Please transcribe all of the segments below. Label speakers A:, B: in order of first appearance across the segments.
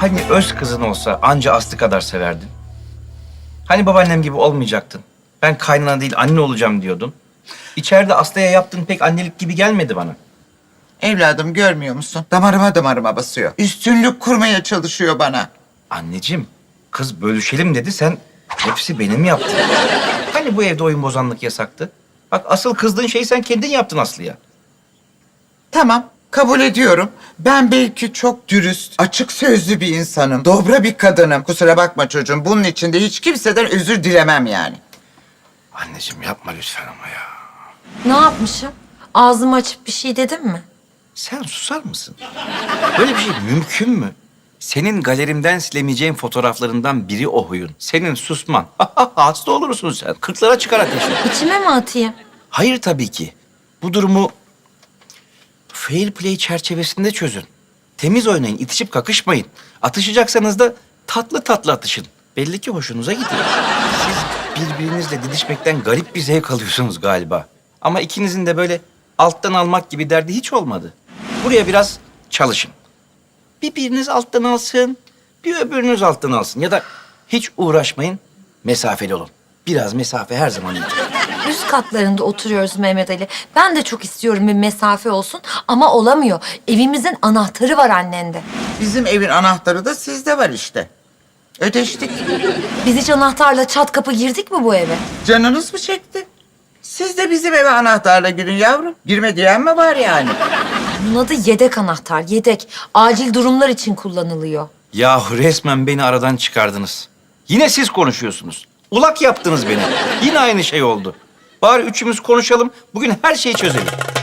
A: Hani öz kızın olsa anca Aslı kadar severdin? Hani babaannem gibi olmayacaktın? Ben kaynana değil anne olacağım diyordun. İçeride Aslı'ya yaptığın pek annelik gibi gelmedi bana.
B: Evladım görmüyor musun? Damarıma basıyor. Üstünlük kurmaya çalışıyor bana.
A: Anneciğim, kız bölüşelim dedi, sen hepsi benim yaptın. Hani bu evde oyun bozanlık yasaktı? Bak asıl kızdığın şeyi sen kendin yaptın Aslı'ya.
B: Tamam, kabul ediyorum. Ben belki çok dürüst, açık sözlü bir insanım. Dobra bir kadınım. Kusura bakma çocuğum. Bunun için de hiç kimseden özür dilemem yani.
A: Anneciğim yapma lütfen ama ya.
C: Ne yapmışım? Ağzımı açıp bir şey dedim mi?
A: Sen susar mısın? Böyle bir şey mümkün mü? Senin galerimden silemeyeceğin fotoğraflarından biri o huyun. Senin susman. Hasta olursun sen. Kırklara çıkar ateşin.
C: İçime mi atayım?
A: Hayır tabii ki. Bu durumu fair play çerçevesinde çözün. Temiz oynayın, itişip kakışmayın. Atışacaksanız da tatlı tatlı atışın. Belli ki hoşunuza gidiyor. Siz birbirinizle didişmekten garip bir zevk alıyorsunuz galiba. Ama ikinizin de böyle alttan almak gibi derdi hiç olmadı. Buraya biraz çalışın. Bir biriniz alttan alsın, bir öbürünüz alttan alsın. Ya da hiç uğraşmayın, mesafeli olun. Biraz mesafe her zaman iyidir.
C: Üst katlarında oturuyoruz Mehmet Ali. Ben de çok istiyorum bir mesafe olsun ama olamıyor. Evimizin anahtarı var annende.
B: Bizim evin anahtarı da sizde var işte. Ödeştik.
C: Biz hiç anahtarla çat kapı girdik mi bu eve?
B: Canınız mı çekti? Siz de bizim eve anahtarla girin yavrum. Girme diyen mi var yani?
C: Bunun adı yedek anahtar, yedek. Acil durumlar için kullanılıyor.
A: Yahu resmen beni aradan çıkardınız. Yine siz konuşuyorsunuz. Ulak yaptınız beni. Yine aynı şey oldu. Bari üçümüz konuşalım, bugün her şeyi çözelim.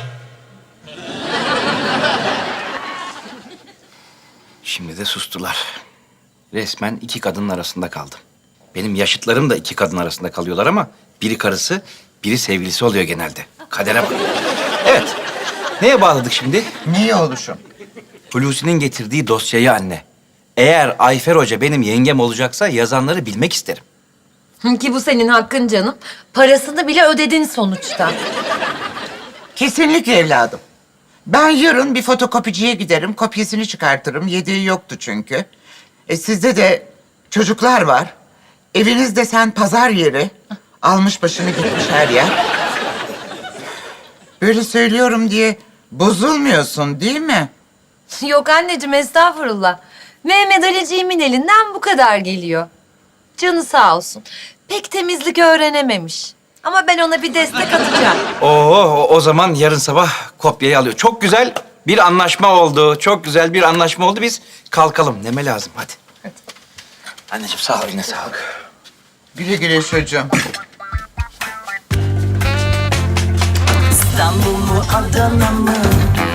A: Şimdi de sustular. Resmen iki kadının arasında kaldım. Benim yaşıtlarım da iki kadın arasında kalıyorlar ama biri karısı, biri sevgilisi oluyor genelde. Kadere bak. Evet, neye bağladık şimdi?
B: Niye oluşum?
A: Hulusi'nin getirdiği dosyayı anne. Eğer Ayfer Hoca benim yengem olacaksa yazanları bilmek isterim.
C: Ki bu senin hakkın canım. Parasını bile ödedin sonuçta.
B: Kesinlikle evladım. Ben yarın bir fotokopiciye giderim, kopyasını çıkartırım. Yedeği yoktu çünkü. Sizde de çocuklar var. Evinizde sen pazar yeri. Almış başını gitmiş her yer. Böyle söylüyorum diye bozulmuyorsun değil mi?
C: Yok anneciğim estağfurullah. Mehmet Aliciğimin elinden bu kadar geliyor. Canı sağ olsun. Pek temizlik öğrenememiş. Ama ben ona bir destek atacağım.
A: O zaman yarın sabah kopyayı alıyor. Çok güzel bir anlaşma oldu. Çok güzel bir anlaşma oldu. Biz kalkalım. Neme lazım? Hadi. Anneciğim sağ ol, eline sağlık.
B: Güle güle çocuğum.
D: İstanbul mu Adana mı?